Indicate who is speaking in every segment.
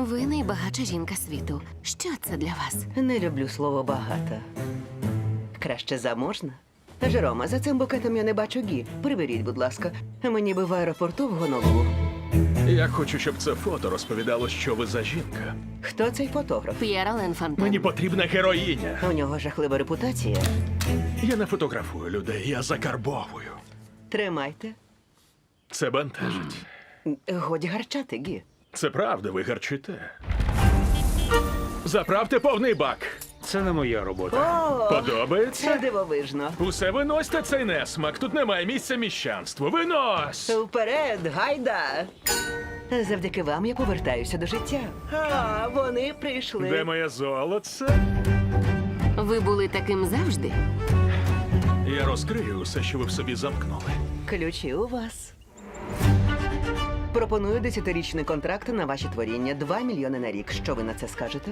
Speaker 1: Ви найбагатша жінка світу. Що це для вас?
Speaker 2: Не люблю слово багата. Краще заможна. Жерома, за цим букетом я не бачу Гі. Приберіть, будь ласка. Мені би в аеропорту в Гонолулу.
Speaker 3: Я хочу, щоб це фото розповідало, що ви за жінка.
Speaker 2: Хто цей фотограф?
Speaker 1: П'єр Ален Фонтен.
Speaker 3: Мені потрібна героїня.
Speaker 2: У нього жахлива репутація.
Speaker 3: Я не фотографую людей, я закарбовую.
Speaker 2: Тримайте.
Speaker 3: Це бентежить.
Speaker 2: Годі гарчати, Гі.
Speaker 3: Це правда, ви гарчите. Заправте повний бак.
Speaker 4: Це не моя робота.
Speaker 2: О, це
Speaker 3: Подобається?
Speaker 2: дивовижно.
Speaker 3: Усе виносьте цей несмак. Тут немає місця міщанству. Винось!
Speaker 2: Вперед, гайда! Завдяки вам я повертаюся до життя. А, вони прийшли.
Speaker 3: Де моє золоце?
Speaker 1: Ви були таким завжди?
Speaker 3: Я розкрию усе, що ви в собі замкнули.
Speaker 2: Ключі у вас. Пропоную 10-річний контракт на ваші творіння. 2 мільйони на рік. Що ви на це скажете?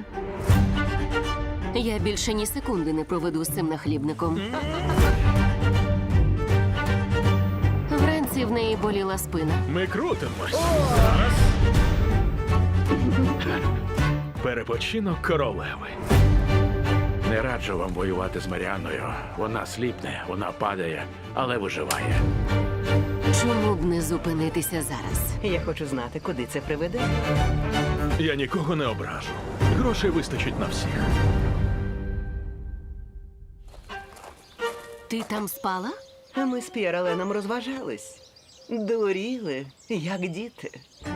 Speaker 1: Я більше ні секунди не проведу з цим нахлібником. Вранці в неї боліла спина.
Speaker 3: Ми крутимось. Зараз. Перепочинок королеви.
Speaker 4: Не раджу вам воювати з Маріанною. Вона сліпне, вона падає, але виживає.
Speaker 1: Чому б не зупинитися зараз?
Speaker 2: Я хочу знати, куди це приведе.
Speaker 3: Я нікого не ображу. Грошей вистачить на всіх.
Speaker 1: Ти там спала?
Speaker 2: А ми з П'єр Аленом розважались. Дуріли, як діти.